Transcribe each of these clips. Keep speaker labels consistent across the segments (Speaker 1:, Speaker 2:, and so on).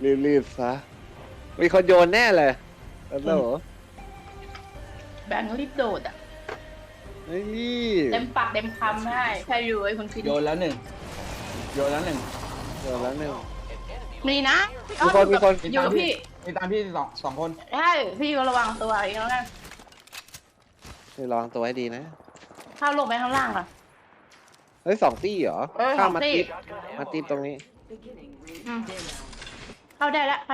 Speaker 1: รีบซะมีคนโยนแน่เลยแล้วเหรอ
Speaker 2: แบงค์รีบโดดอ่ะ
Speaker 1: ไอ้นี่
Speaker 2: เต็มปากเต็มคำได้ใช่อยู่ไอ้คนคิด
Speaker 3: โยนแล้วหนึ่งโยนแล้วหนึ่ง
Speaker 1: โยนแล้วเนี่ย
Speaker 2: มีนะ
Speaker 1: มีคน
Speaker 2: อยู่กับพี่
Speaker 3: มีตามพี่สองคน
Speaker 2: ใช่พี่ก็ระวังตัวอีกแล้วกัน
Speaker 1: ให้ลองตัวให้ดีนะ
Speaker 2: เข้าลงไปข้างล่างอ่ะ
Speaker 1: เฮ้ย2 ตี้เหรอ
Speaker 2: ส
Speaker 1: ข้า
Speaker 2: อ
Speaker 1: ม
Speaker 2: ง
Speaker 1: มา
Speaker 2: ตี้
Speaker 1: ติดมาติดตรงนี้
Speaker 2: อืมเข้าได้ละ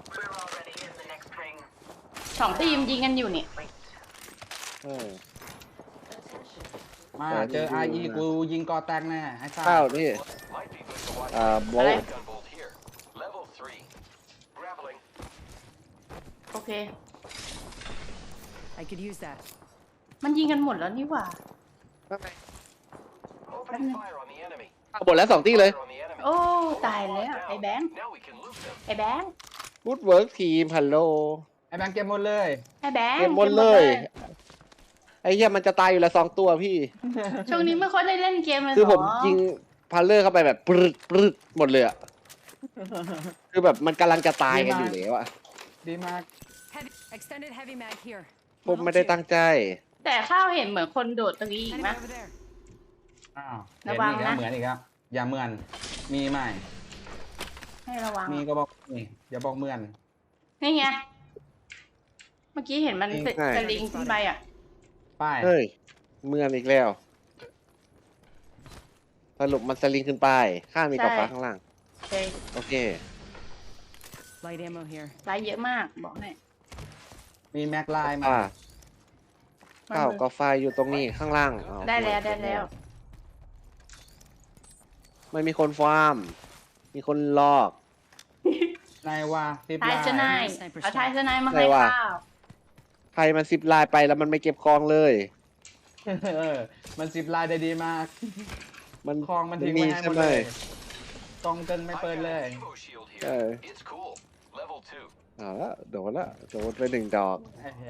Speaker 2: 2 ตีมยิงกันอยู่นี่
Speaker 1: เออ
Speaker 3: มาเจอไอกูยิงกอแตกแน่ไอ้ซ่า
Speaker 1: ข้าวนี่โบ
Speaker 2: อะไร
Speaker 1: ว์
Speaker 2: โอเค
Speaker 4: I could use that.
Speaker 2: มันยิงกันหมดแล้วนี่หว่า
Speaker 1: เอาหมดแล้ว2 ตี้เลย
Speaker 2: โอ้ตายแล้วไอ้แบงค์ไอ้แบงค์
Speaker 1: ฟูดเวิร์กทีมฮัลโหล
Speaker 3: ไอ้แบงค์เก็บหมดเลย
Speaker 2: ไอ้แบงค์
Speaker 1: เก็บหมดเลยไอ้เหี้ยมันจะตายอยู่ละ2 ตัวพี่
Speaker 2: ช่วงนี้ไม่ค่อยได้เล่นเกมเลย
Speaker 1: คือผม
Speaker 2: หร
Speaker 1: ยิงพัลเลอร์เข้าไปแบบปรึดหมดเลยอะคือแบบมันกำลังจะตายกันอยู่แล้วอะ
Speaker 3: ดีมาก
Speaker 4: Heavy, extended heavy mag here.
Speaker 1: ผมไม่ได้ตั้งใจ
Speaker 2: แต่ข้าวเห็นเหมือนคนโดดตรงนี้อีก
Speaker 4: Enemy
Speaker 2: นะ
Speaker 4: over there.
Speaker 3: อ้าว
Speaker 2: ระวังนะ
Speaker 3: เหมือนอีกครับอย่าเหมือนมีไหม
Speaker 2: ให้ระวัง
Speaker 3: มีก็บอกนี่อย่าบอกเหมือน
Speaker 2: นี่ไง เมื่อกี้เห็นมัน
Speaker 3: นี่
Speaker 2: สลิงขึ้นไปอ่ะ
Speaker 3: ป้าย
Speaker 1: เฮ้ยเมือนอีกแล้วสรุปมันสลิงขึ้นไปข้างมีกระฟ้าข้างล่าง
Speaker 2: โอเค
Speaker 1: โอเค
Speaker 4: Light ammo here.
Speaker 2: ไลฟ์เยอะมากบอกให้
Speaker 3: มีแม็กไลน์มา
Speaker 1: อ่าข้าวกาแฟอยู่ตรงนี้ข้างล่างอ้า
Speaker 2: ได้แล้วได้แล้ว
Speaker 1: ไม่มีคนฟาร์ม มีคนลอก
Speaker 3: นายว่าซิป
Speaker 2: ทาย
Speaker 3: ไล
Speaker 2: ชนาย
Speaker 3: น์
Speaker 2: เอาทายชนายมาให้ข้าว
Speaker 1: ใครมัน10 ลายไปแล้วมันไม่เก็บคองเลย
Speaker 3: เออมันซิปไลน์ได้ดีมาก
Speaker 1: มัน
Speaker 3: คลองมันทิ้งไว้ให้หม
Speaker 1: ใช่
Speaker 3: ด
Speaker 1: ไหม
Speaker 3: เลยกองเกินไม่เปิดเลย
Speaker 1: เออเอาละโดนละโดนไป1 ดอก
Speaker 3: ไอ้เหี้ย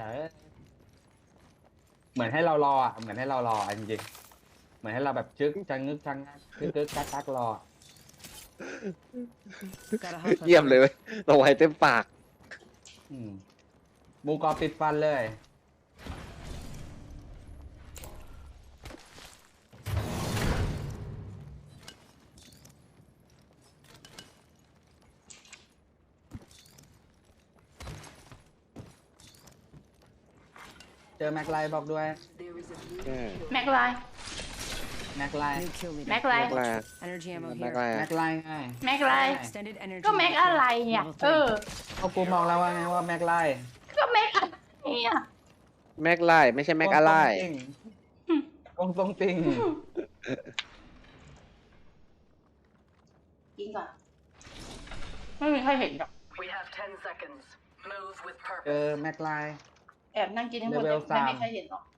Speaker 3: เหมือนให้เรารออ่ะเหมือนให้เรารออ่ะจริงๆเหมือนให้เราแบบจึ๊กจังงึกจังงักกึกกักกักรอ
Speaker 4: Gotta hop
Speaker 1: เยี่ยมเลยเว้ยเราไว้เต็มปาก
Speaker 3: อืมหมูกรอบติดฟันเลยเจอแม็กไลน์บอกด้วย
Speaker 2: แม็กไลน์
Speaker 3: แม็กไลน์
Speaker 4: New kill leader.
Speaker 2: แม็กไล
Speaker 1: แม็
Speaker 2: น์
Speaker 1: กลา
Speaker 4: Energy ammo
Speaker 1: แม็ก
Speaker 4: here.
Speaker 1: ลา
Speaker 3: แม็กไลน์ไง
Speaker 2: แม็กไลน์
Speaker 4: Extended energy.
Speaker 2: ก็แม็ก
Speaker 4: mag
Speaker 2: อะไร
Speaker 4: here.
Speaker 2: เนี่ย
Speaker 4: Level
Speaker 2: เอ
Speaker 4: three.
Speaker 2: อ
Speaker 3: เอากูมองแล้วว่าไงว่าแม็กไลน์
Speaker 2: ก็แม็กอะไรเนี่ย
Speaker 1: แม็กไลไม่ใช่แม็กอะไร
Speaker 3: วงตรงติง
Speaker 2: กินก่อน ไม่มีใครเห็นหรอก
Speaker 5: We have 10 seconds. Move with
Speaker 3: เจ
Speaker 5: purpose.
Speaker 3: อแม็กไลน์
Speaker 2: แอบนั่งกินทั้งหมด
Speaker 3: Level
Speaker 2: แต่ไม่มี
Speaker 3: 3
Speaker 2: ใครเห็นหรอก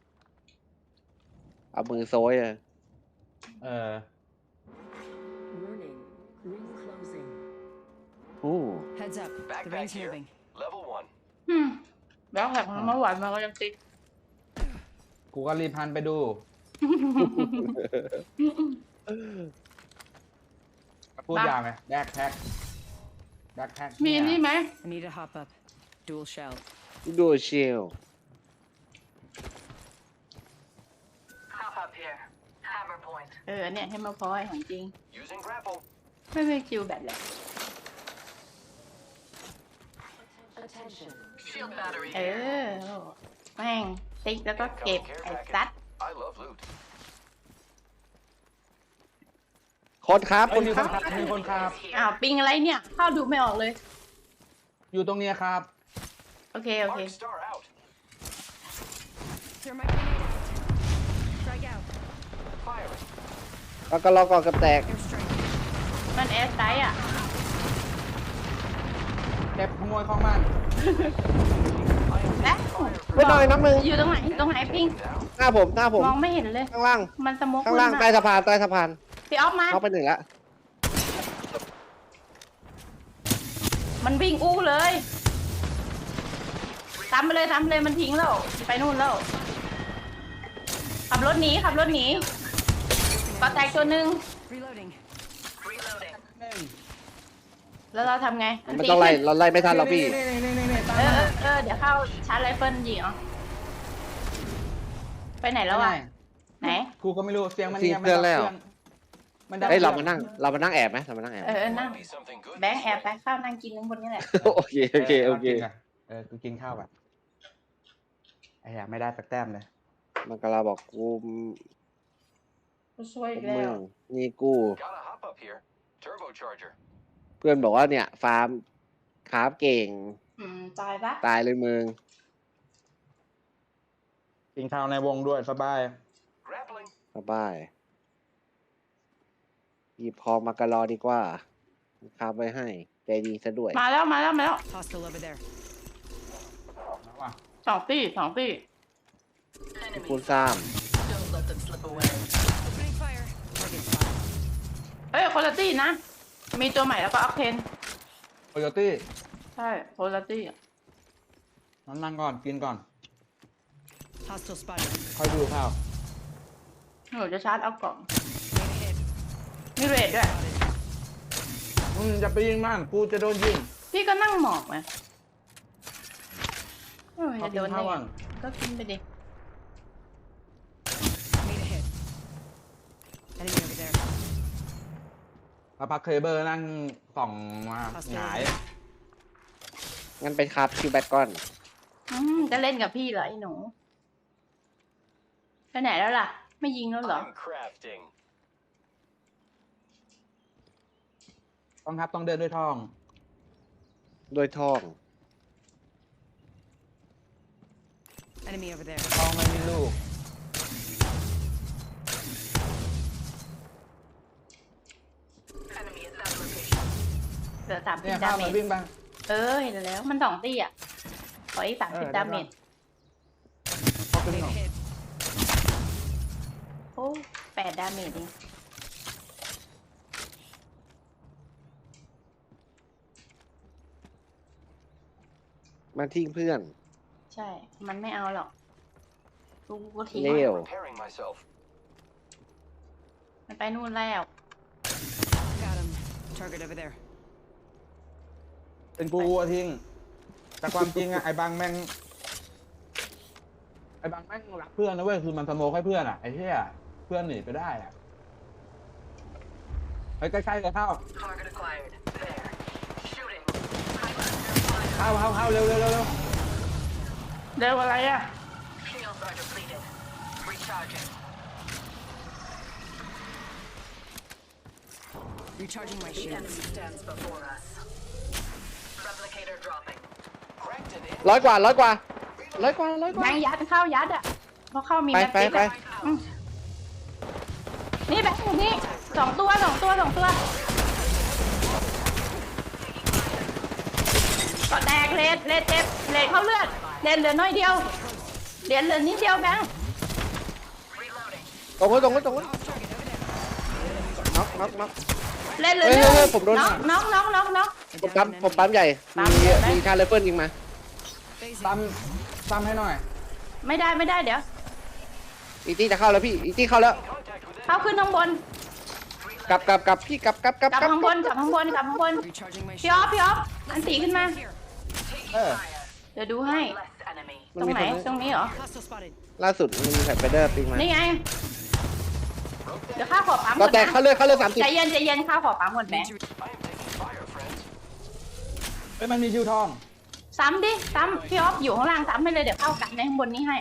Speaker 1: เอามือโซยอะ
Speaker 3: เออ
Speaker 5: Warning. Ring closing.
Speaker 1: อู้
Speaker 4: Heads up. The ring's moving.
Speaker 2: อืมแล้วแถมเมื่อวานมันก็ยังติด
Speaker 3: กูก็รีบพันไปดู พูดยาวไหมแบ็คแพ็คแบ็คแพ็ค
Speaker 2: มีนี่ไหม
Speaker 4: I need to hop up. Dual shell.
Speaker 1: ดูเชียว
Speaker 5: Hop up here. Hammer point.
Speaker 2: เออเนี่ยให้มาพอยของจริง ไม่ไม่คิวแบบแหละ
Speaker 5: Attention. Shield battery
Speaker 2: เอ
Speaker 5: here.
Speaker 2: อแม่งติ๊กแล้วก็เก็บไอ้ซัด
Speaker 1: คนครับ
Speaker 3: เอ้
Speaker 1: ค
Speaker 3: ย
Speaker 1: น
Speaker 3: มี
Speaker 1: ค
Speaker 3: ค
Speaker 1: รั
Speaker 3: น
Speaker 1: บ
Speaker 3: ขับมีคนขับ
Speaker 2: อ้าวปิงอะไรเนี่ยเข้าดูไม่ออกเลย
Speaker 3: อยู่ตรงเนี้ยครับ
Speaker 2: โอเค โอเค
Speaker 4: Clear my grenade. Strike out.
Speaker 1: แล้วก็ล็อกก่อนกับแตก
Speaker 4: Airstrike.
Speaker 2: มันแอร์ไซด์อ่ะ
Speaker 3: เก็บขโมยของมัน
Speaker 2: และ
Speaker 1: ไม่หน่อยน้ำมือ
Speaker 2: อยู่ตรงไหนตรงไหนปิง
Speaker 1: หน้าผม
Speaker 2: มองไม่เห็นเลย
Speaker 1: ข้างล่าง
Speaker 2: มันสโมก
Speaker 1: ข้างล่าง
Speaker 2: ขึ้นม
Speaker 1: ใต้สะพานใต้สะพาน
Speaker 2: พี่ออฟมา
Speaker 1: เข้าไป1 ละ
Speaker 2: มันวิ่งอู้เลยตามไปเลยตามไปเลยมันทิ้งแล้ว ไปนู่นแล้ว ขับรถหนีขับรถหนีก็แตกตัวหนึ่ง
Speaker 4: Reloading.
Speaker 5: Reloading.
Speaker 2: แล้วเราทำไง
Speaker 1: มันต้องไล่เราไล่ไม่ทันเราพี่
Speaker 3: นี่ตาม
Speaker 2: เดี๋ยวเข้าชาร์จไรเฟิลยิงเหรอไปไหนแล้วอ่ะไหน
Speaker 3: กูก็ไม่รู้เสียงมัน
Speaker 1: ทิ้งเพื่อนแล้ว
Speaker 3: มันดัง
Speaker 1: เฮ้ยเรามานั่งแอบไหมเรามานั่งแอบ
Speaker 2: นั่งแบงค์แอบไปข้าวนั่งกินทั้งคนนี้แหละ
Speaker 1: โอเคโอเคโอเค
Speaker 3: กูกินข้าวแบบไอ้เหี้ยไม่ได้สักแต้มเลย
Speaker 1: มันกำลังบอกกู
Speaker 2: กูช่วยอีก
Speaker 1: มึ
Speaker 2: แล้ว
Speaker 1: งนี่กู
Speaker 6: Gotta hop up here. Turbocharger.
Speaker 1: เพื่อนบอกว่าเนี่ยฟาร์มคราฟเก่ง
Speaker 2: ตายปะ
Speaker 1: ตายเลยมึง
Speaker 3: กินข้าวในวงด้วยสบาย
Speaker 6: Grappling.
Speaker 1: สบายหยิบพองมากระรอดีกว่าคราฟไว้ให้ใจดีซะด้วย
Speaker 2: มาแล้ว
Speaker 4: Hostile over there.
Speaker 3: นะว่ะ
Speaker 2: สองตี
Speaker 1: คูณ
Speaker 5: Enemies.
Speaker 1: ซ้
Speaker 5: Don't let them slip away.
Speaker 4: Opening fire. Target spotted.
Speaker 2: เฮ้ยคนละตีนะ มีตัวใหม่แล้วก็ออกเทน
Speaker 3: โคโยตี้
Speaker 2: ใช่คนละตี
Speaker 3: นั่งก่อนกินก่อน
Speaker 4: Hostile spotted.
Speaker 3: ค่อยดูข้าว
Speaker 2: หนูจะชาร์จเอากล่อง
Speaker 4: Made a hit.
Speaker 2: มีเรทด้วย
Speaker 3: จะไปยิงมันกูจะโดนยิง
Speaker 2: พี่ก็นั่งหมอกไงจะ
Speaker 3: เขา
Speaker 2: โด
Speaker 3: กิน
Speaker 2: น
Speaker 3: ข้าว
Speaker 2: ได้
Speaker 3: ก่อน
Speaker 2: ก็กินไปดิ
Speaker 4: Made a hit. Enemy over there.
Speaker 3: แล้วพักเคเบิลนั่งส่องมาหงาย
Speaker 1: ำงั้นไปคราฟคิวแบทก่อน
Speaker 2: จะเล่นกับพี่เหรอไอ้หนูไปไหนแล้วล่ะ ไม่ยิงแล้วเหรอ
Speaker 6: I'm crafting.
Speaker 3: ต้องครับต้องเดินด้วยท้อง
Speaker 1: ด้วยท่อง
Speaker 4: Enemy over there.
Speaker 3: ท้องไม่มีลูก
Speaker 5: Enemy at that location.
Speaker 2: เหลือ30
Speaker 3: เนี่ย
Speaker 2: ดา
Speaker 3: ข้าว
Speaker 2: เม
Speaker 3: มัน
Speaker 2: จ
Speaker 3: วิ่งไป
Speaker 2: เห็นแล้ว มัน2ตีอ่ะ ขออีก30 ดาเมจ
Speaker 3: เขาขึ้น
Speaker 4: Made
Speaker 3: หน่
Speaker 4: a
Speaker 3: อย
Speaker 4: hit.
Speaker 2: โอ้8 ดาเมจเอง
Speaker 1: มันทิ้งเพื่อน
Speaker 2: ใช่ มันไม่เอาหรอกกูก็ทิ้ง
Speaker 1: เร็ว
Speaker 6: Repairing myself.
Speaker 2: มันไปนู่นแล้ว
Speaker 4: Got him. Target over there.
Speaker 3: เป็นกูอะทิ้งแต่ความจริงอะไอ้บางแม่งรักเพื่อนนะเว้ยคือมันสโมกให้เพื่อนอะไอ้เหี้ยเพื่อนหนีไปได้อะไปใกล้ๆเลยเข้า
Speaker 5: Target acquired. There. Shooting.
Speaker 3: เข้าเร็ว
Speaker 2: เร็วอะไรอ่ะ
Speaker 5: Shields are depleted. Recharging.
Speaker 4: Recharging my
Speaker 5: The
Speaker 4: shield.
Speaker 5: enemy stands before us. Replicator dropping.
Speaker 6: Cracked an
Speaker 1: ร้อยกว่า
Speaker 2: แบงค์ยัดเข้ายัดอ่ะเพราะเข้ามี
Speaker 1: ไป
Speaker 2: แม็กซิส
Speaker 1: ไป
Speaker 2: อะนี่แบงค์อยู่นี่2 ตัวก็แตกเลดเจ็บเลดเข้าเลือดเลดเหลือน้อยเดียวเหรียญเหลือนิดเดียวแบงค์
Speaker 5: Reloading.
Speaker 1: ตรงนู้นน็อก
Speaker 2: เลดเหลือ
Speaker 1: เฮ้ย
Speaker 2: เดียว
Speaker 1: เฮ้ยผมโดน
Speaker 2: น้อง
Speaker 1: ผมปั๊มใหญ่ มีชาร์จไรเฟิลยิงมา
Speaker 3: ซ้ำให้หน่อย
Speaker 2: ไม่ได้เดี๋ยว
Speaker 1: อีตี้จะเข้าแล้วพี่ อีตี้เข้าแล้ว
Speaker 6: contact with
Speaker 2: เข้าขึ้นข้างบน
Speaker 1: กลับพี่กลับ
Speaker 2: กลับข้างบน
Speaker 4: Recharging my
Speaker 2: พี่อ
Speaker 4: shield.
Speaker 2: อฟอันตีขึ้นมา
Speaker 3: เออ
Speaker 2: เดี๋ยวดูให้
Speaker 5: Less enemy.
Speaker 2: ตรงไหนตรงนี้เหรอ
Speaker 4: Hostile spotted.
Speaker 1: ล่าสุดมีแฟลชไฟเดอร์ปิงมา
Speaker 2: นี่ไง เดี๋ยวข้าขอปั๊ม
Speaker 1: ก็
Speaker 2: ก่อน
Speaker 1: แตก
Speaker 2: นะ
Speaker 1: เข้าเลือด30
Speaker 2: ใจเย็นข้าขอปั๊มก่อนแบงค์
Speaker 6: I am taking fire, friends.
Speaker 3: เฮ้ยมันมีชิวทอง
Speaker 2: ซ้ำพี่ออฟอยู่ข้างล่างซ้ำให้เลยเดี๋ยวเข้ากันในข้างบนนี้ให้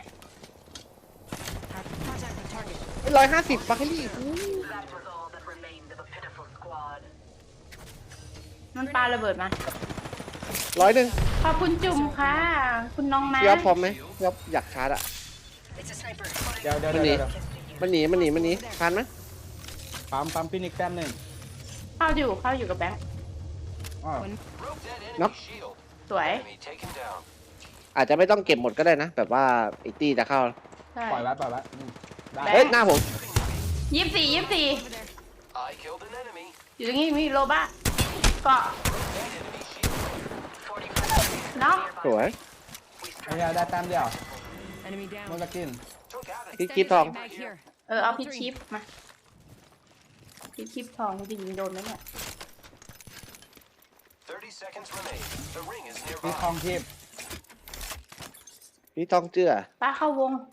Speaker 4: Contact with target.
Speaker 1: 150บัคเฮลี่
Speaker 5: That was all that remained of a pitiful squad.
Speaker 2: มันปาระเบิดมา
Speaker 1: 100
Speaker 2: ขอบคุณจุ่มค่ะ คุณน้องม้า
Speaker 1: พี่อ๊อฟพร้อมไหมพี่อ๊อฟอยากชาร์จอะ
Speaker 5: It's a sniper.
Speaker 3: เดี๋ยว
Speaker 1: มันหนีมันหนีทันไหม
Speaker 3: ปั๊มฟินิกแต้มหนึ่ง
Speaker 2: เข้าอยู่กับแบงค์
Speaker 3: อ้อ
Speaker 6: Broke that enemy
Speaker 1: Nope.
Speaker 6: shield.
Speaker 2: สวย
Speaker 6: Enemy taken down.
Speaker 1: อาจจะไม่ต้องเก็บหมดก็ได้นะ แบบว่าอีตี้จะเข้า
Speaker 2: ใช่
Speaker 3: ปล่อยไว้ได้
Speaker 1: เฮ้ยหน้าผม
Speaker 2: 24
Speaker 4: Over there.
Speaker 6: I killed an enemy.
Speaker 2: อยู่ตรงนี้มีโลบ้าเกาะ
Speaker 6: That enemy shield.
Speaker 5: 45
Speaker 2: เนาะ
Speaker 1: สวย
Speaker 3: ไอ้เหี้ยได้แต้มเดียว
Speaker 4: Enemy
Speaker 3: มัน
Speaker 4: down.
Speaker 3: จะกิน
Speaker 6: Took out a
Speaker 1: พี่กิ๊บทอง
Speaker 4: Mag here.
Speaker 2: เอาพิชชิปมาพิชชิปทองจะยิงโดนไหมเนี่ย
Speaker 6: 30 seconds remain. The ring is
Speaker 3: มี
Speaker 6: nearby.
Speaker 3: คลองทิพย์
Speaker 1: พี่ต้องเจือ
Speaker 2: ป้าเข้าวง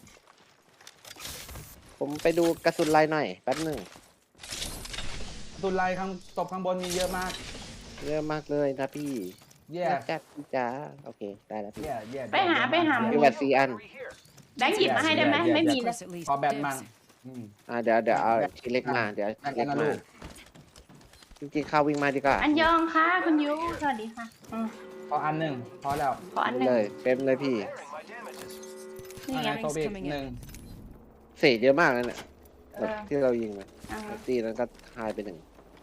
Speaker 1: ผมไปดูกระสุนลายหน่อยแป๊บหนึ่ง
Speaker 3: ตุนไลข้างตบข้างบนมีเยอะมาก
Speaker 1: เยอะมากเลยนะพี่
Speaker 3: เย่
Speaker 1: น่าจะพี่จ๋าโอเคได้แล้วพี่
Speaker 3: เย่
Speaker 2: ไปหา
Speaker 1: มีแบต4 อัน
Speaker 6: Three here.
Speaker 2: แบงค์หยิบมาให้ได้ไหมไม่มีเลย
Speaker 4: Close at least.
Speaker 3: ขอแบต
Speaker 4: Dibs.
Speaker 3: มั่งอืม
Speaker 1: เดี๋ยวเอาทีเล็กมาเดี๋ยว
Speaker 3: แบ่ง
Speaker 1: ที
Speaker 3: กั
Speaker 1: เล็
Speaker 3: น
Speaker 1: ก
Speaker 3: นะ
Speaker 1: มา
Speaker 3: ลูก
Speaker 1: จริงๆเข้าวิ่งมาดีกว่า
Speaker 2: อันยองค่ะคุณยูสวัสดีค่ะ
Speaker 3: พออันหนึ่งพอแล้ว
Speaker 2: ขออันหนึ่ง
Speaker 1: เลยเป็นเลยพี่
Speaker 6: Repairing my damages.
Speaker 2: นี่ไง
Speaker 3: โซบิก
Speaker 4: coming in
Speaker 3: หนึ่ง
Speaker 1: เศษเยอะมากเลยเนี่ย
Speaker 2: เอ
Speaker 1: แบบ
Speaker 2: อ
Speaker 1: ที่เรายิงไป
Speaker 2: อ่า
Speaker 1: ตีนั้นก็หายไป1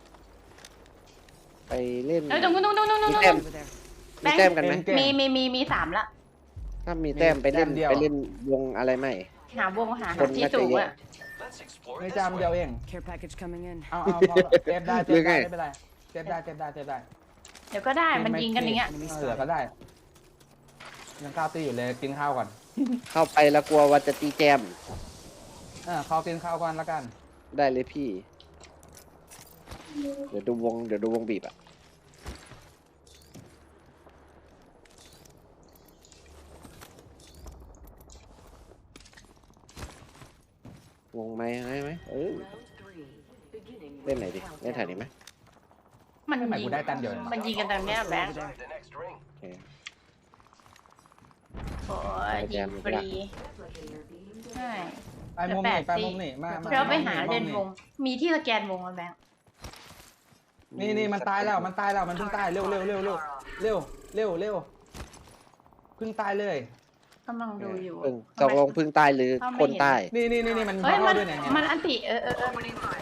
Speaker 1: ไปเล่น
Speaker 2: เอ้ยตรงนู้น
Speaker 1: มีแต้ม
Speaker 4: Over there.
Speaker 1: มีแต้มกันไหม
Speaker 3: เก่ง
Speaker 2: มีสามละ
Speaker 1: ถ้ามีแต้มไปเล่น
Speaker 3: แต้มเดียว
Speaker 1: ไปเล่นวงอะไรไหม
Speaker 2: หาวงหา
Speaker 1: คน
Speaker 2: ที่
Speaker 1: น่าจะ
Speaker 2: สูง
Speaker 1: เยอะ
Speaker 2: อ่ะ
Speaker 6: Let's explore
Speaker 3: ไม่
Speaker 6: this
Speaker 3: จำเดียว
Speaker 6: way.
Speaker 3: เอง
Speaker 4: Care package coming in.
Speaker 3: เอาพอเจ็บได้
Speaker 1: หรือไง
Speaker 3: ไม่เป็นไรเจ็บได้
Speaker 2: เดี๋ยวก็ได้มันยิงกันอย่างเงี้ย
Speaker 3: เหลือก็ได้ยังข้าวตีอยู่เลยกินข้าวก่อน
Speaker 1: เข้าไปแล้วกลัวว่าจะตีแจม
Speaker 3: เขากินข้าวก่อนแล้วกัน
Speaker 1: ได้เลยพี่ เดี๋ยวดูวงบีบอะวงไหมไหมเล่นไหนดิเล่นแถวนี้ไหม
Speaker 2: มัน
Speaker 3: ไม่หมาย
Speaker 2: ยิ
Speaker 3: กู
Speaker 2: ง
Speaker 3: ได้แต้มเดียว
Speaker 2: มันยิงกันตรงเนี้ยแบงค์
Speaker 6: Inside the next ring.
Speaker 1: โอเค
Speaker 2: โอ้ยยิงฟรีใช่
Speaker 3: ไปมุมนี้ไปมุมนี้มา
Speaker 2: เราไปหาเล่นวง มีที่สแกนวงไหมแบงค์
Speaker 3: นี่มันตายแล้วมันเพิ่งตายเร็วเพิ่งตายเลย
Speaker 2: กำลังดูอยู่
Speaker 1: พึ่งตกลงพึ่งตายหรือคนตาย
Speaker 3: นี่มัน
Speaker 2: เฮ้ย
Speaker 3: เข้า
Speaker 2: มัน
Speaker 3: ด้วยเนี่ย
Speaker 2: มันอันติเออ
Speaker 5: Opening fire.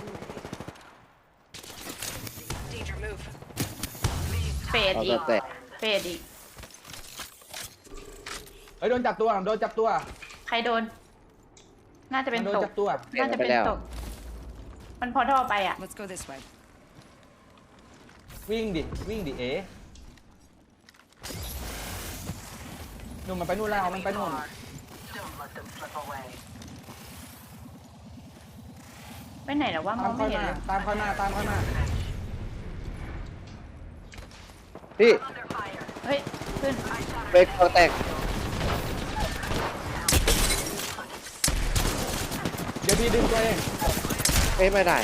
Speaker 4: Danger move.
Speaker 2: เฟด
Speaker 1: เอา
Speaker 2: อีก
Speaker 1: แต่
Speaker 2: เฟดอีก
Speaker 3: เฮ้ยโดนจับตัว
Speaker 2: ใครโดน น่าจะเป็น
Speaker 3: โดน
Speaker 2: ตก
Speaker 3: จับตัว
Speaker 2: น่าจะเป็นตก มันพอท่อไปอ่ะ
Speaker 4: Let's go this way.
Speaker 3: วิ่งดิเอ๋หนุ่มมันไปนู่นแล้วมันไปนู่น
Speaker 5: Don't let them slip away.
Speaker 2: ไปไหนหรอว่าม
Speaker 3: ตา
Speaker 2: อ
Speaker 3: ม
Speaker 2: ง
Speaker 3: เข้า
Speaker 2: ไม่เห็น
Speaker 3: มา
Speaker 2: เลย
Speaker 3: ตามเข้ามา
Speaker 1: พี่
Speaker 5: Under fire.
Speaker 2: เฮ้ย ขึ้น
Speaker 1: เบรกตัวแตก
Speaker 3: เดี๋ยวพี่ดึงตัวเอง
Speaker 1: ไม่ได้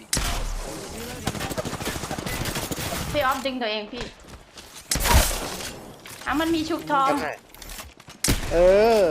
Speaker 2: พี่ออฟดึงตัวเองพี่มันมีชุบทอง
Speaker 1: เออ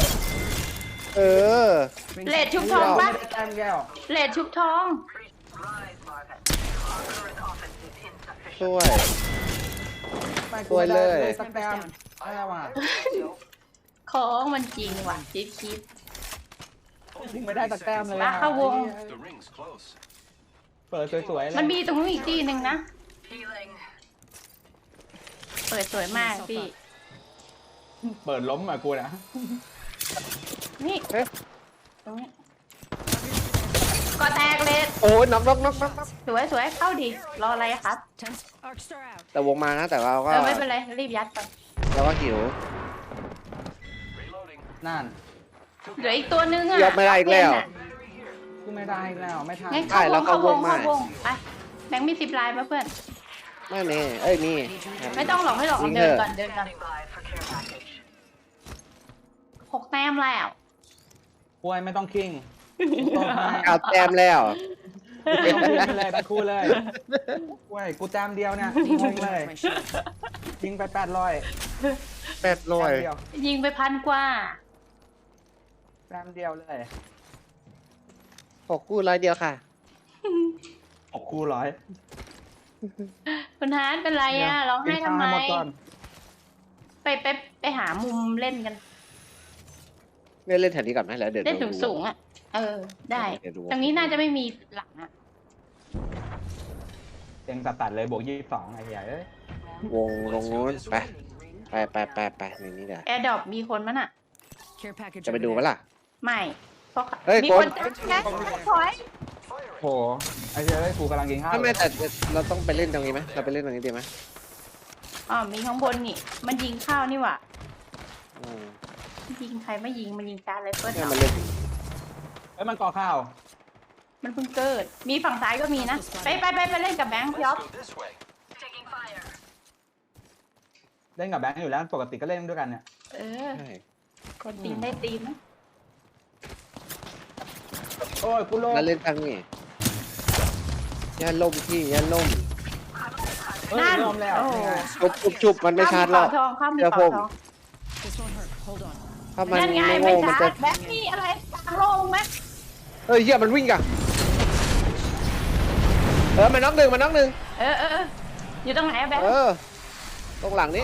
Speaker 4: Rings
Speaker 2: เลด
Speaker 4: up.
Speaker 2: ชุบทองปะ
Speaker 3: แต้มแก้ว
Speaker 2: เลดชุบทอง
Speaker 5: Rise, Marvin. Our current offense is insufficient.
Speaker 1: ช่วย
Speaker 3: ไม่
Speaker 1: สวยเลย
Speaker 3: สักแต้มอะไรวะ
Speaker 2: ของมันจริงว่ะจิ๊บคิด
Speaker 3: ยิงไม่ได้สักแต้มเลย
Speaker 2: มาเข้าวง
Speaker 6: The ring's close.
Speaker 3: เปิดสวยๆเลย
Speaker 2: มันมีตรงนู้นอีกที่หนึ่งนะ
Speaker 5: Healing.
Speaker 2: เปิดสวยมากพี่
Speaker 3: เปิดล้มอ่ะกูนะ
Speaker 2: นี่
Speaker 1: เอ๊ะ
Speaker 2: ตรงนี้ก็แตกเลด
Speaker 1: โอ้ยน็อก
Speaker 2: สวยเข้าดิ รออะไรอะครับ
Speaker 4: Tense. Arc star out.
Speaker 1: แต่วงมานะแต่เราก็
Speaker 2: ไม่เป็นไร รีบยัดไป
Speaker 1: เราก็หิว
Speaker 6: Reloading.
Speaker 3: นั่น
Speaker 2: เหลืออีกตัวนึงอะ
Speaker 1: ยกไม่ได้อีกแล้ว
Speaker 3: กูไม่ได้อีกแล้วไม่ทัน
Speaker 2: งั้น
Speaker 1: ใช่แล้ว
Speaker 2: เข้าวง
Speaker 1: เข้าวงมา
Speaker 2: ไปแบงค์มี10 ลายมาเพื่อน
Speaker 1: ไม่มีมี
Speaker 2: ไม่ต้องหลอกให้หลอก
Speaker 1: ยิง
Speaker 2: เดิน
Speaker 1: เถอะ
Speaker 2: ก่อน
Speaker 5: Standing by for care package.
Speaker 2: 6 แต้มแล้ว
Speaker 3: ป่วยไม่ต้องคิงตบให้
Speaker 1: เอาแต้มแล้ว
Speaker 3: ไม่ต้องคิงเลยตะคู่เลยป่วยกูแต้มเดียวเนี่ยงงเลย
Speaker 4: My shield.
Speaker 3: ยิงไป800
Speaker 1: แปดร้อย
Speaker 3: เดียว
Speaker 2: ยิงไป1,000 กว่า
Speaker 3: แต้มเดียวเลย
Speaker 1: 6 คู่100 เดียวค่ะ
Speaker 3: 6คู่ร้อย
Speaker 2: คุณฮาร์ดเป็นไรอะร้องไห้ทำไม
Speaker 3: หมดก่อน
Speaker 2: ไปหามุมเล่นกัน
Speaker 1: เล่นแถวนี้ก่อนไหมแล้วเดี๋ยว
Speaker 2: เล่นสูงๆอ่ะ ได้
Speaker 1: เดี๋ยวดู
Speaker 2: ตรงนี้น่าจะไม่มีหลังอ่ะ
Speaker 3: เต็งตัดเลยบวก22ไอ้เหี้ยเอ้ยว
Speaker 1: งลงนู้นไปในนี้เดี๋ยว
Speaker 2: แอร์ดรอปมีคนมั้ยน่ะ
Speaker 4: Care package.
Speaker 1: จะไป
Speaker 4: over
Speaker 1: ดู
Speaker 4: there.
Speaker 1: ปะล่ะ
Speaker 2: ไม่เพราะ
Speaker 1: เฮ้ย
Speaker 2: มี
Speaker 1: ค
Speaker 2: คน นนะถอย
Speaker 3: โหไอ้เหี้ยเอ้ยกูกำลังกินข้าว
Speaker 1: ไม่แต่เราต้องไปเล่นตรงนี้ไหมเราไปเล่นตรงนี้ดีไหม
Speaker 2: มีข้างบนนี่ มันยิงเข้านี่หว่า
Speaker 1: อืม
Speaker 2: ยิงใครไม่ยิง มันยิงการไรเฟิล
Speaker 1: เนี่ยมันเล่น
Speaker 3: เอ้ยมันก่อข้าว
Speaker 2: มันเพิ่งเกิด มีฝั่งซ้ายก็มีนะ ไปเล่นกับแบงค์พี่อ๊อฟ
Speaker 6: Let's go this way.
Speaker 5: Taking fire.
Speaker 3: เล่นกับแบงค์อยู่แล้วปกติก็เล่นด้วยกันเนี่ย
Speaker 2: เออ
Speaker 1: ใช่
Speaker 2: คนตีนได้ตีนนะ
Speaker 3: โอ้ยกูโล
Speaker 1: แล้วเล่นทางนี้ย่าล่มพี่ย่าล่ม
Speaker 3: เฮ้ยลมแล้ว
Speaker 2: โอ้
Speaker 3: นี่ไง
Speaker 1: ชุบมันไม่ชาร์จหรอก
Speaker 2: ข้ามมี
Speaker 1: เดี๋ยว
Speaker 2: เป่า
Speaker 1: ผม
Speaker 2: ทอง
Speaker 4: This won't hurt. Hold on.
Speaker 1: ถ้ามัน
Speaker 2: นั่นไง
Speaker 1: ไม่
Speaker 2: ไม่
Speaker 1: โง่มัน
Speaker 2: ชา
Speaker 1: จะ
Speaker 2: ร์จแบ็คนี่อะไรกลางโล่งไหม
Speaker 1: เฮ้ยเฮียมันวิ่งกันมันน็อกหนึ่งมันน็อกหนึ่ง
Speaker 2: เอออยู่ตรงไหนอะแบ็ค
Speaker 1: ตรงหลังนี้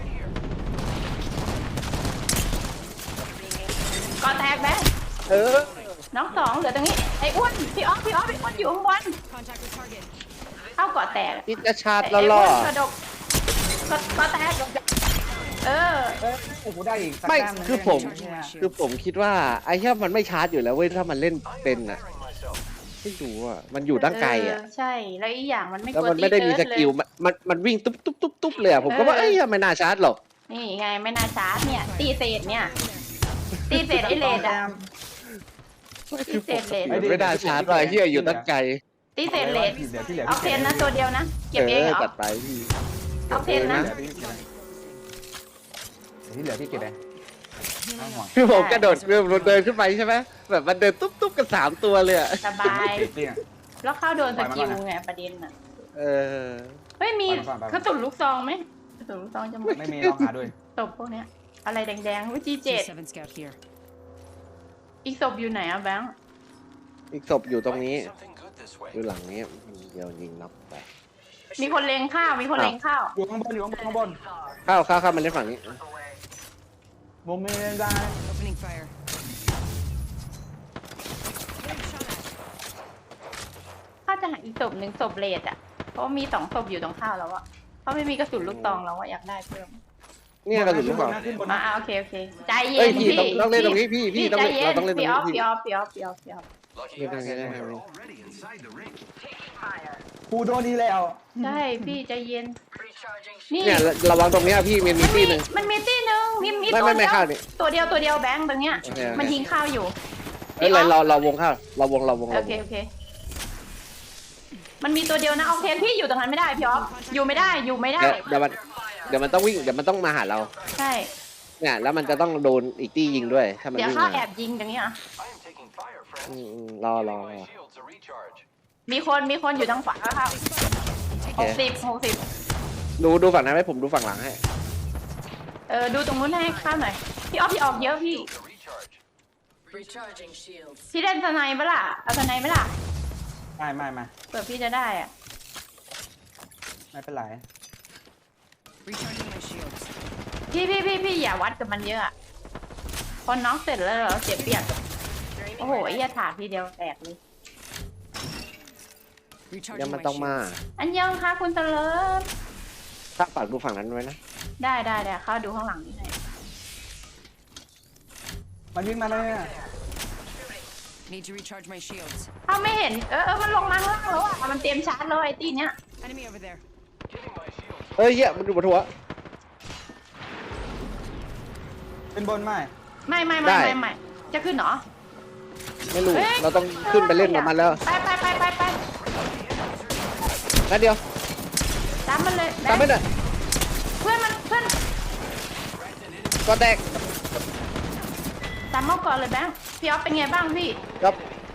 Speaker 2: ก่อนแตกแบ็ค น้องสองเหลือตรงนี้ไอ้อ้วนพี่ออฟอยู่ข้างบน
Speaker 4: Contact with target.
Speaker 2: เข้าก่อแตก
Speaker 1: นี่จะชาร์จ
Speaker 2: ไอ้
Speaker 1: ล่
Speaker 2: อ้
Speaker 1: อ
Speaker 2: วนกระดกก่อแตกเออ
Speaker 3: เอ้ยโอ้โหได้อีกสัก
Speaker 1: ไม่
Speaker 3: แต้หนึ่ง
Speaker 1: คือผม
Speaker 3: เนี่ย
Speaker 1: คือผมคิดว่าไอ้เหี้ยมันไม่ชาร์จอยู่แล้วเว้ยถ้ามันเล่นเป็นอ่ะ
Speaker 6: Firing myself.
Speaker 1: ไม่รู้อ่ะมันอยู่ตั้งไกลอ่ะ
Speaker 2: ใช่แล้วอีกอย่างมันไม่
Speaker 1: แล้ว
Speaker 2: กลัว
Speaker 1: มันไม่ได้มีส
Speaker 2: ตีเติร์ด
Speaker 1: กิล
Speaker 2: เลย
Speaker 1: มันวิ่งตุ๊บเลยอ่ะผมก็ว่าเอ้ยไม่น่าชาร์จหรอก
Speaker 2: นี่ไงไม่น่าชาร์จเนี่ย ตีเศษเนี่ย ตีเศษไอเลดอะ
Speaker 1: คือปกติ
Speaker 3: ไม่
Speaker 1: มันไม่น่าชาร์จหรอกไอ้เหี้ยอยู่ตั้งไกล
Speaker 2: ตีเศษเลด
Speaker 3: ที่เหลือที่เหลือ
Speaker 2: เอาเทนนะตัวเดียวนะ เก็บเองเหรอ
Speaker 1: จัดไปพี่
Speaker 2: เอาเทนนะ
Speaker 3: ที่เหลือพี่เก็บเองไม่ห่วง
Speaker 1: คือผมกระโดดเดินขึ้นไปใช่ไหมแบบมันเดินตุ๊บกัน3 ตัวเลยอ่ะ
Speaker 2: สบาย
Speaker 3: เก็บจริงอะ
Speaker 2: แล้วเข้าโดนสกิลไงประเด็นอะ
Speaker 1: เออ
Speaker 2: เฮ้ยมี
Speaker 3: ไป
Speaker 2: กระสุนลูกซองไหมกระสุนลูกซองจะหมด
Speaker 3: ไม่มีลองหาด้วย
Speaker 2: ศพพวกเนี้ย อะไรแดงๆวิจีเจ็ด
Speaker 4: G7 scout here.
Speaker 2: อีกศพอยู่ไหนอะแบงค์
Speaker 1: อีกศพอยู่ตรงนี้
Speaker 6: Might be something good this way.
Speaker 1: อยู่หลังนี้เดี๋ยวยิงน็อกไป
Speaker 2: มีคนเลงข้าวมีคนเลงข้าว
Speaker 3: อยู่ข้างบนอยู่ข้างบน
Speaker 1: เข้ามันเล่นฝั่งนี้
Speaker 3: วงไม่ได้
Speaker 4: Opening fire.
Speaker 2: ข้าวจะหาอีกศพหนึ่งศพเลดอะเพราะมี2ศพอยู่ตรงข้าวแล้วอะเขาไม่มีกระสุนลูกซองแล้วอะอยากได้เพิ่ม
Speaker 1: เนี่ยกระสุนลูกศร
Speaker 3: ขึ้นบน
Speaker 2: โอเคใจเย็
Speaker 1: เอ้ย
Speaker 2: น
Speaker 1: พี่
Speaker 2: พี่
Speaker 1: ต้องเล่นตรงนี้พี่ต้อง
Speaker 2: ใจ
Speaker 1: เล่น
Speaker 2: เย็
Speaker 1: เรา
Speaker 2: น
Speaker 1: ต้องเล่นตรง
Speaker 2: พี่
Speaker 1: นี้
Speaker 2: ออฟ
Speaker 1: พี่
Speaker 2: พี่ออฟพี่ออฟพี่ออฟพี่ออฟ
Speaker 6: Lucky
Speaker 1: Yeah,
Speaker 6: us.
Speaker 1: yeah, yeah,
Speaker 6: We're
Speaker 1: yeah.
Speaker 6: already inside the ring.
Speaker 3: กูโดนดีแล้ว
Speaker 2: ใช่พี่ใจเย็น
Speaker 5: Recharging
Speaker 2: นี่
Speaker 1: เนี่ยระวังตรงเนี้ยพี่มี
Speaker 2: มัน
Speaker 1: ตี
Speaker 2: มี
Speaker 1: หนึ่ง
Speaker 2: มันมีตีหนึ่งมี
Speaker 1: ไม่
Speaker 2: ตัว
Speaker 1: ไม่
Speaker 2: เดียว
Speaker 1: ข้าวนี่
Speaker 2: ตัวเดียวแบงค์ตรงเนี้ย
Speaker 1: โอเค
Speaker 2: มันยิงข้าวอยู่
Speaker 1: เอ้ยเราวงข้าวเราวง
Speaker 2: โอเคมันมีตัวเดียวนะเอาเทนพี่อยู่ตรงนั้นไม่ได้พี่ออฟอยู่ไม่ได้
Speaker 1: เดี๋ยวมันต้องวิ่งเดี๋ยวมันต้องมาหาเรา
Speaker 2: ใช่
Speaker 1: เนี่ยแล้วมันจะต้องโดนอีกตียิงด้วยถ้ามัน
Speaker 2: เดี๋ยว
Speaker 1: วิ่ง
Speaker 2: ข้าว
Speaker 1: มา
Speaker 2: แอบยิงตรงนี้อ่ะ
Speaker 6: I am taking fire, friends.
Speaker 1: รอ
Speaker 6: Giving my shields a recharge.
Speaker 2: มีคนอยู่ทางขวาครับ
Speaker 1: โอเค
Speaker 2: 60
Speaker 1: ดูฝั่งนั้นให้ผมดูฝั่งหลังให้
Speaker 2: ดูตรงนู้นให้ข้าวหน่อยพี่ออฟพี่ออกเยอะพี่
Speaker 6: A recharge.
Speaker 5: Recharging shields.
Speaker 2: พี่เล่นสไนป์ปะล่ะเอาสไนป์ไหมล่ะ
Speaker 3: ไม่
Speaker 2: เผื่อพี่จะได้อ่ะ
Speaker 3: ไม่เป็นไร
Speaker 4: Recharging my shields.
Speaker 2: พี่อย่าวัดกับมันเยอะอะพอน็อกเสร็จแล้วเราเจ็บเปียกโอ้โหไอ้ยาถาทีเดียวแตกเลย
Speaker 1: เดี๋ยว
Speaker 4: Recharging
Speaker 1: มัน
Speaker 4: my
Speaker 1: ต้องมา
Speaker 4: shields.
Speaker 2: อันยังค่ะคุณเตลิศ
Speaker 1: ถ้าฝากดูฝั่งนั้นไว้นะ
Speaker 2: ได้เข้าดูข้างหลังนี่ให้
Speaker 3: มันวิ่งมาเลยอะ
Speaker 4: Need to recharge my shields.
Speaker 2: เขาไม่เห็นมันลงมาข้างล่างแล้วอ่ะมันเตรียมชาร์จเลยไอ้ตีเนี้ย
Speaker 4: Enemy over there.
Speaker 6: Giving my shields.
Speaker 1: เฮ้ยเหี้ยมันอยู่บนหัว
Speaker 3: เป็นบนไหม
Speaker 2: ไม่จะขึ้นเหรอ
Speaker 1: ไม่รู้
Speaker 2: เฮ้ย
Speaker 1: เราต้องขึ้นไปเล่นกับมันแล้ว
Speaker 2: ไป
Speaker 1: นัดเดียว
Speaker 2: ตามมันเลย
Speaker 1: ตามไม่ได้
Speaker 2: เพื่อน
Speaker 1: ก็แตก
Speaker 2: ตามมาก่อนเลยแบงค์พี่ออฟเป็นไงบ้างพี่
Speaker 1: ครับ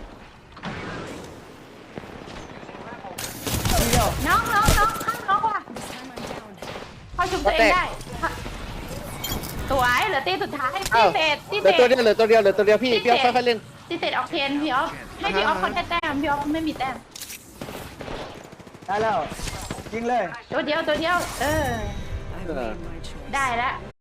Speaker 2: น้องว่ะ
Speaker 4: This time I'm down.
Speaker 2: พอชุบตัวเองได้สวยเหลือตีสุดท้ายตี
Speaker 1: อ้าว
Speaker 2: เศษ
Speaker 1: เหลือตัวเดียวพี่เอาค่อยๆเล่น
Speaker 2: ตีเศษออกเทนพี่ออฟให้พี่ออฟเขาได้แต้มพี่ออฟไม่มีแต้ม
Speaker 3: ได้แล้วยิงเลย
Speaker 2: ตัวเดียว
Speaker 4: I've made my choice.
Speaker 2: ได้แล้ว